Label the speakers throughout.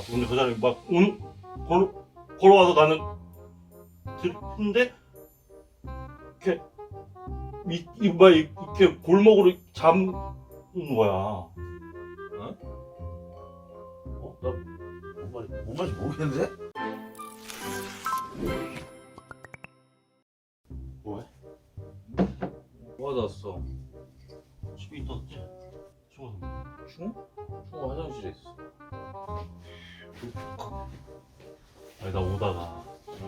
Speaker 1: 쳐다봤어. 근데 그 사람이 막 걸어와서 나는 듣는데 이렇게 골목으로 잡는 거야.
Speaker 2: 어? 나 뭔 말인지 모르겠는데?
Speaker 1: 뭐해?
Speaker 3: 뭐 하다 왔어?
Speaker 1: 집에 있었지. 죽어서.
Speaker 3: 충호? 충호 화장실에 있어.
Speaker 1: 아니 나 오다가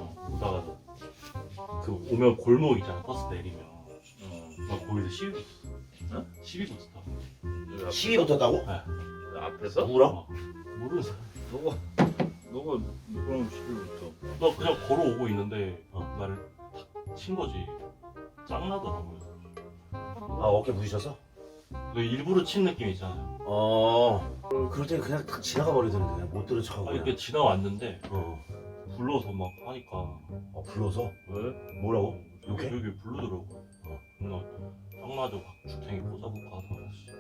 Speaker 1: 그 오면 골목 있잖아. 버스 내리면 나 거기서 시비고 있었어.
Speaker 3: 어?
Speaker 1: 시비고 있었다.
Speaker 3: 여기 앞에,
Speaker 2: 시비 붙었다고?
Speaker 3: 앞에서?
Speaker 2: 누구랑?
Speaker 1: 모르는 사람.
Speaker 3: 너가 누구랑 시비부터?
Speaker 1: 나 그냥 걸어오고 있는데 나를 탁 친 거지. 짱나더라고요.
Speaker 2: 아, 어깨 부딪혔어?
Speaker 1: 너 일부러 친 느낌 있잖아요.
Speaker 2: 그럴 땐 그냥 딱 지나가 버리더니 그냥 못 들은 척하고
Speaker 1: 아니
Speaker 2: 그냥.
Speaker 1: 그 지나왔는데
Speaker 2: 어.
Speaker 1: 불러서 막 하니까
Speaker 2: 불러서?
Speaker 3: 왜?
Speaker 2: 뭐라고?
Speaker 1: 여기
Speaker 2: 욕해?
Speaker 1: 여기 부르더라고. 나 짱나죠. 주탱이 꽂아볼까 하다가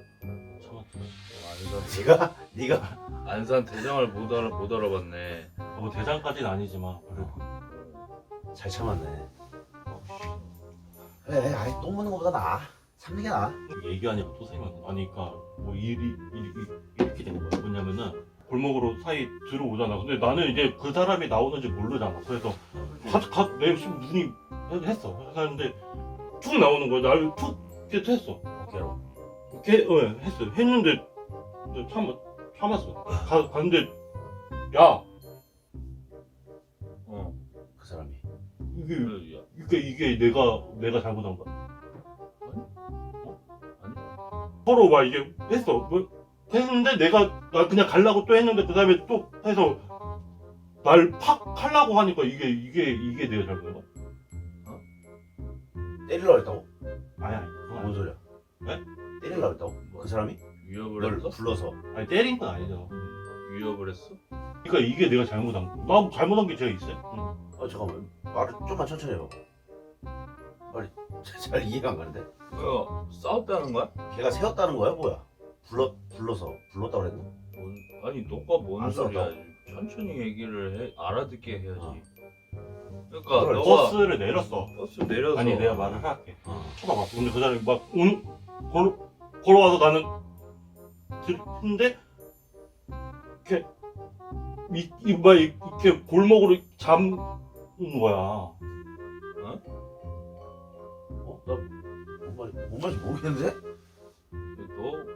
Speaker 1: 참았지.
Speaker 2: 네가?
Speaker 3: 안산 대장을 못 알아봤네.
Speaker 1: 뭐 대장까지는 아니지만 그래도
Speaker 2: 잘 참았네. 그래, 아이 똥 묻는 거보다 나아. 참는 게 나아.
Speaker 1: 얘기하니까 또 생각나. 아니 그니까 뭐 일이 이렇게 된 거야. 뭐냐면은 골목으로 사이 들어오잖아. 근데 나는 이제 그 사람이 나오는지 모르잖아. 그래서 내 눈이 했어. 했는데 툭 나오는 거야. 나를 툭 이렇게 했어.
Speaker 2: 어깨로.
Speaker 1: 이렇게 했어. 했는데 참았어. 갔는데 야
Speaker 2: 그 사람이.
Speaker 3: 그래, 야.
Speaker 1: 이게 내가 잘못한 거야.
Speaker 3: 아니?
Speaker 1: 서로 막 이게 했어. 뭐 했는데 나 그냥 가려고 또 했는데 그 다음에 또 해서 날 팍 하려고 하니까 이게 내가 잘못한 거야.
Speaker 2: 때리려고 했다고?
Speaker 1: 아니 그건
Speaker 2: 뭔 소리야?
Speaker 1: 네?
Speaker 2: 때리려고 했다고? 그 사람이?
Speaker 3: 위협을
Speaker 2: 널
Speaker 3: 했어?
Speaker 2: 불러서.
Speaker 1: 아니 때린 건 아니죠.
Speaker 3: 위협을 했어?
Speaker 1: 그러니까 이게 내가 잘못한 거. 나 잘못한 게 제가 있어요?
Speaker 2: 잠깐만. 말을 좀만 천천히 해봐. 말이 잘 이해가 안 가는데?
Speaker 3: 뭐야? 싸웠다는 거야?
Speaker 2: 걔가 세웠다는 거야 뭐야? 불러서 불렀다고 그랬나?
Speaker 3: 아니 너가 뭔
Speaker 2: 안
Speaker 3: 소리야?
Speaker 2: 싸웠다고?
Speaker 3: 천천히 얘기를 해. 알아듣게 해야지.
Speaker 2: 어.
Speaker 3: 그러니까
Speaker 2: 그래,
Speaker 3: 너가
Speaker 1: 버스를 내렸어.
Speaker 3: 버스 내려서
Speaker 1: 아니 내가 말을 할게. 쳐다봤어. 근데 그 사람이 막 걸어와서 나는 듣는데 이렇게 골목으로 잡는 거야.
Speaker 2: 나뭔 말인지 모르겠는데?
Speaker 3: 너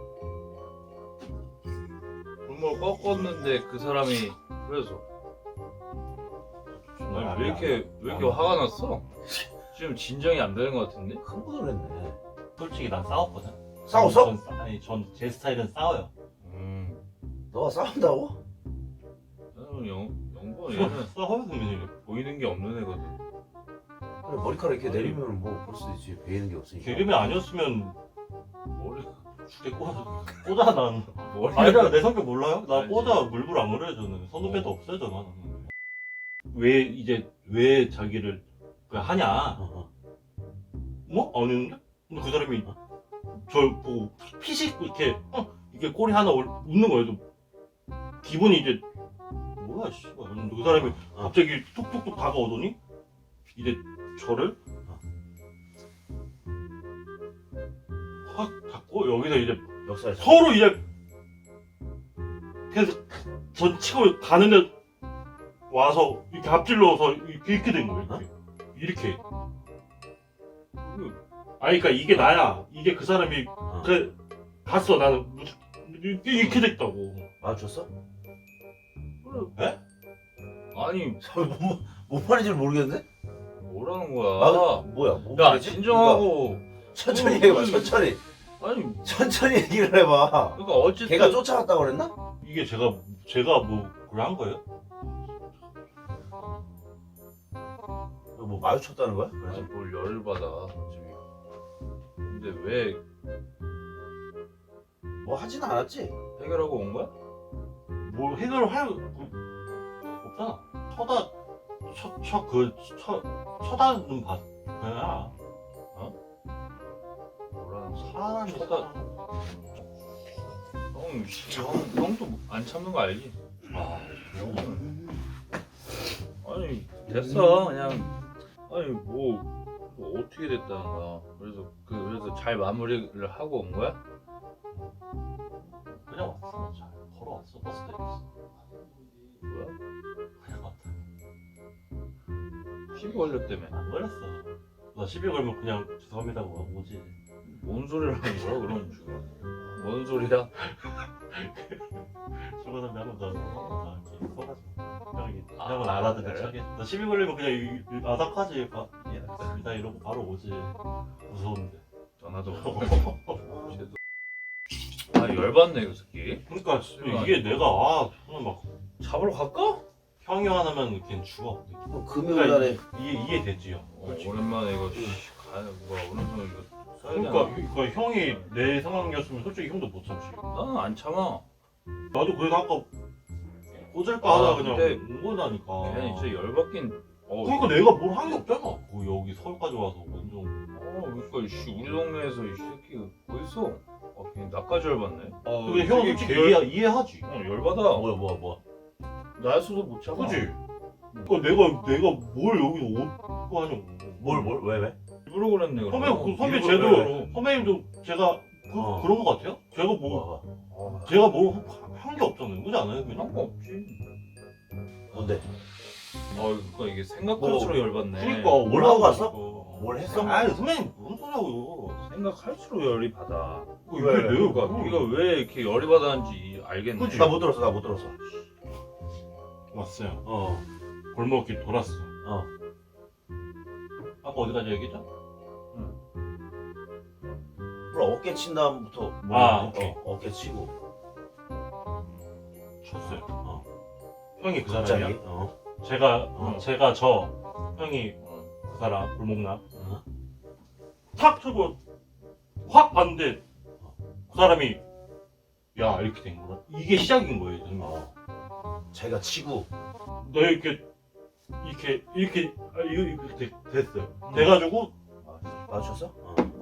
Speaker 3: 골목을 꺾었는데 그 사람이 그래서 아니, 왜 이렇게 화가 났어? 지금 진정이 안 되는 것 같은데?
Speaker 2: 흥분을 했네.
Speaker 1: 솔직히 난 싸웠거든.
Speaker 2: 싸웠어?
Speaker 1: 전 제 스타일은 싸워요.
Speaker 2: 너가 싸운다고?
Speaker 3: 나는 영건 얘는
Speaker 1: 싸워요 선배님.
Speaker 3: 보이는 게 없는 애거든.
Speaker 2: 그래, 머리카락 이렇게 내리면 뭐 볼 수도 있지. 베이는 게 없으니까.
Speaker 1: 개그맨 아니었으면
Speaker 3: 머리
Speaker 1: 죽게 꽂아 난.
Speaker 3: 머리
Speaker 1: 아니야 내 성격 몰라요? 나
Speaker 3: 알지.
Speaker 1: 꽂아 물불 안 그래요 저는. 선후배도 없어져 나는. 왜 자기를 하냐? 뭐? 아닌데? 근데 그 사람이 저 보고 피식 이렇게 이게 꼬리 하나 웃는 거예요. 좀 기분이 이제 뭐야 씨발. 근데 그 사람이 갑자기 툭툭툭 다가오더니 이제 저를 확 잡고 여기서 이제
Speaker 2: 역사에
Speaker 1: 서로 이제 계속 전 치고 가는데 와서 이렇게 앞질러서 이렇게 된 거예요. 이렇게. 아니 그러니까 이게 나야. 이게 그 사람이 그래 갔어. 나는 이렇게 됐다고.
Speaker 2: 마주쳤어?
Speaker 1: 에?
Speaker 3: 아니
Speaker 2: 뭔 말인지 모르겠는데?
Speaker 3: 뭐라는 거야?
Speaker 2: 뭐야? 뭔
Speaker 3: 야
Speaker 2: 말이지?
Speaker 3: 진정하고
Speaker 2: 그러니까 천천히 해봐. 천천히.
Speaker 3: 아니
Speaker 2: 천천히 얘기를 해봐.
Speaker 3: 그러니까 어쨌든
Speaker 2: 걔가 쫓아갔다고 그랬나?
Speaker 1: 이게 제가 뭐 그걸 한 거예요?
Speaker 2: 뭐 마주쳤다는 거야?
Speaker 3: 아니
Speaker 2: 그래서
Speaker 3: 뭘 열을 받아 지금. 근데 왜
Speaker 2: 뭐 하진 않았지.
Speaker 3: 해결하고 온 거야?
Speaker 1: 뭐 해결을 할 없잖아. 쳐다는 봤. 그냥
Speaker 3: 뭐라는 거야?
Speaker 1: 사람이
Speaker 3: 형도 안 참는 거 알지?
Speaker 1: 아
Speaker 3: 아니 됐어 그냥. 아니 뭐 어떻게 됐다는 거야. 그래서 잘 마무리를 하고 온 거야?
Speaker 1: 그냥 왔어. 잘 걸어왔어. 버스 타고.
Speaker 3: 뭐야?
Speaker 1: 그냥 왔다.
Speaker 3: 시비 걸렸다며.
Speaker 1: 안 걸렸어. 나 시비 걸면 그냥 죄송합니다 하고 오지.
Speaker 3: 뭔 소리를 하는 거야 그럼 지금? 뭔 소리야?
Speaker 1: 출근 선배 한번 더 이렇게 써가지고 형이 형은 알아듣는
Speaker 3: 그래?
Speaker 1: 척해. 나 시비 걸리면 그냥 아삭하지. 예, 알겠습니다 이러고 바로 오지. 무서운데.
Speaker 3: 전화도 아 열받네 그 새끼.
Speaker 1: 그러니까 이게 내가 저는 막
Speaker 3: 잡으러 갈까?
Speaker 1: 형이 하나면 걔는 죽어.
Speaker 2: 금요일날에
Speaker 1: 이해됐지요.
Speaker 3: 오랜만에 이거 뭐야 오랜만에 이거 써야 되나?
Speaker 1: 그러니까 형이 내 상황이었으면 솔직히 형도 못 참지.
Speaker 3: 나는 안 참아.
Speaker 1: 나도 그래서 아까 꽂을까
Speaker 3: 아,
Speaker 1: 하다 그냥
Speaker 3: 근데
Speaker 1: 온 거다니까.
Speaker 3: 걔는 진짜 열받긴.
Speaker 1: 그러니까 내가 뭘 한 게 없잖아. 여기 서울까지 와서 완전.
Speaker 3: 그러니까 씨 우리 동네에서 이 새끼 어딨어? 그냥 나까지 열받네.
Speaker 1: 근데 형 솔직히 이해하지.
Speaker 3: 열받아.
Speaker 2: 뭐야
Speaker 3: 나였어도 못 참아.
Speaker 1: 그지? 그러니까 내가 뭘 여기서 옷고 하냐고.
Speaker 2: 왜?
Speaker 3: 일부러 그랬네. 그럼.
Speaker 1: 선배
Speaker 3: 일부러
Speaker 1: 쟤도
Speaker 3: 그래요.
Speaker 1: 선배님도 제가 그런 거 같아요? 제가 뭐
Speaker 2: 뭐가
Speaker 1: 제가 뭐 한 게 없잖아요. 그지 않아요? 그냥?
Speaker 3: 한 거 없지.
Speaker 2: 뭔데?
Speaker 3: 그러니까 이게 생각할수록 열받네.
Speaker 1: 그러니까
Speaker 2: 뭘 하고 갔어?
Speaker 1: 올라가고.
Speaker 2: 뭘 했어?
Speaker 1: 아니 선배님 무슨 소리하고요?
Speaker 3: 생각할수록 열이 받아.
Speaker 1: 이게
Speaker 2: 왜?
Speaker 1: 내가
Speaker 3: 그러니까 네가 왜 이렇게 열이 받았는지 알겠네.
Speaker 1: 그치?
Speaker 2: 나 못 들었어.
Speaker 1: 왔어요. 골목길 돌았어. 아까 어디까지 얘기했죠?
Speaker 2: 몰라, 어깨 친 다음부터
Speaker 1: 오케이.
Speaker 2: 어깨 치고
Speaker 1: 쳤어요. 형이 그
Speaker 2: 갑자기
Speaker 1: 사람이야? 제가 형이 그 사람 골목남 탁 쳐고 확 봤는데 그 사람이 야 이렇게 된 거야. 이게 시작인 거예요. 형님.
Speaker 2: 자기가 치고
Speaker 1: 너 이렇게 됐어요. 돼가지고
Speaker 2: 맞췄어?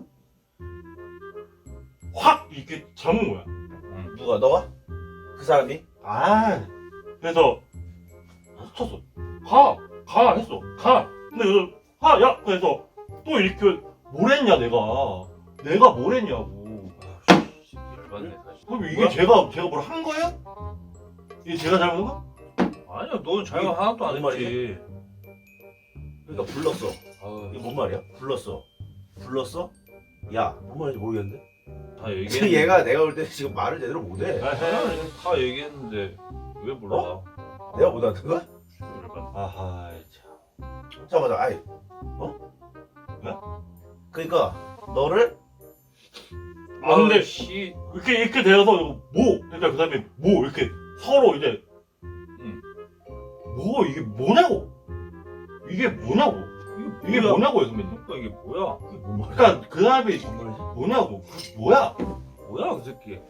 Speaker 1: 확 이렇게 잡은 거야.
Speaker 2: 누가 너가? 그 사람이?
Speaker 1: 그래서 쳤어. 가 했어. 가. 근데 그래서 야 그래서 또 이렇게 뭘 했냐 내가 뭘 했냐고.
Speaker 3: 열받네 사실.
Speaker 1: 그럼 이게
Speaker 3: 뭐야?
Speaker 1: 제가 뭘 한 거예요? 이게 제가 잘못한 거?
Speaker 3: 아니야, 넌 잘못 하나도 안
Speaker 2: 뭔
Speaker 3: 했지.
Speaker 2: 그러니까 불렀어.
Speaker 3: 아유,
Speaker 2: 이게 뭔 말이야? 불렀어. 야, 뭔 말인지 모르겠는데.
Speaker 3: 다 얘기했는데.
Speaker 2: 지금 얘가 내가 볼 때 지금 말을 제대로 못해.
Speaker 3: 다 얘기했는데 왜 몰라?
Speaker 2: 내가 못 알아듣은 거야?
Speaker 3: 열받네.
Speaker 1: 아하 참.
Speaker 2: 잠깐만, 아이,
Speaker 1: 왜?
Speaker 2: 그러니까 너를
Speaker 1: 근데
Speaker 3: 씨,
Speaker 1: 이렇게 되어서 그러니까 그 다음에 이렇게 서로 이제 이게 뭐냐고. 이게 뭐냐고요 선배님.
Speaker 3: 그러니까 이게 뭐야?
Speaker 2: 그게 뭔 말이야?
Speaker 1: 그러니까 그 다음에
Speaker 2: 뭔 말이지?
Speaker 1: 뭐냐고. 뭐야?
Speaker 3: 뭐야 그 새끼?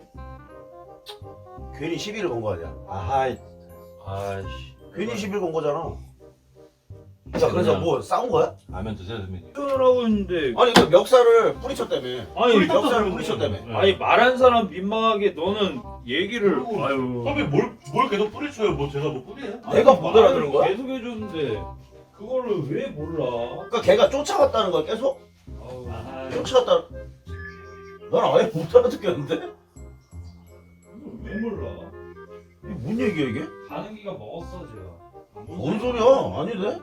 Speaker 2: 괜히 시비를 건 거 아니야?
Speaker 3: 아이씨.
Speaker 2: 괜히 시비를 건 거잖아. 자, 그래서 뭐 싸운 거야?
Speaker 1: 라면 드세요 선배님.
Speaker 3: 하고 있는데.
Speaker 2: 아니 그 멱살을 뿌리쳤다며.
Speaker 3: 아니
Speaker 2: 멱살을 뿌리쳤다며.
Speaker 3: 아니 말한 사람 민망하게 너는 얘기를. 아유.
Speaker 1: 선배 뭘 계속 뿌리쳐요? 뭐 제가 뭐 뿌리해요?
Speaker 2: 내가 못 알아들은 거야?
Speaker 3: 계속 해줬는데 그거를 왜 몰라?
Speaker 2: 그러니까 걔가 쫓아갔다는 거야 계속?
Speaker 3: 아우.
Speaker 2: 쫓아갔다. 난 아예 못 알아듣겠는데?
Speaker 3: 이걸 왜 몰라?
Speaker 2: 이게 뭔 얘기야 이게?
Speaker 3: 가는 기가 먹었어 제가.
Speaker 2: 뭔 소리야? 아니네?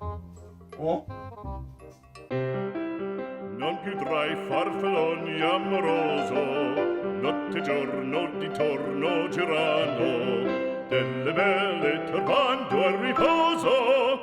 Speaker 4: Non più tra i farfalloni amoroso, notte e giorno di torno girano, delle belle turbando al riposo,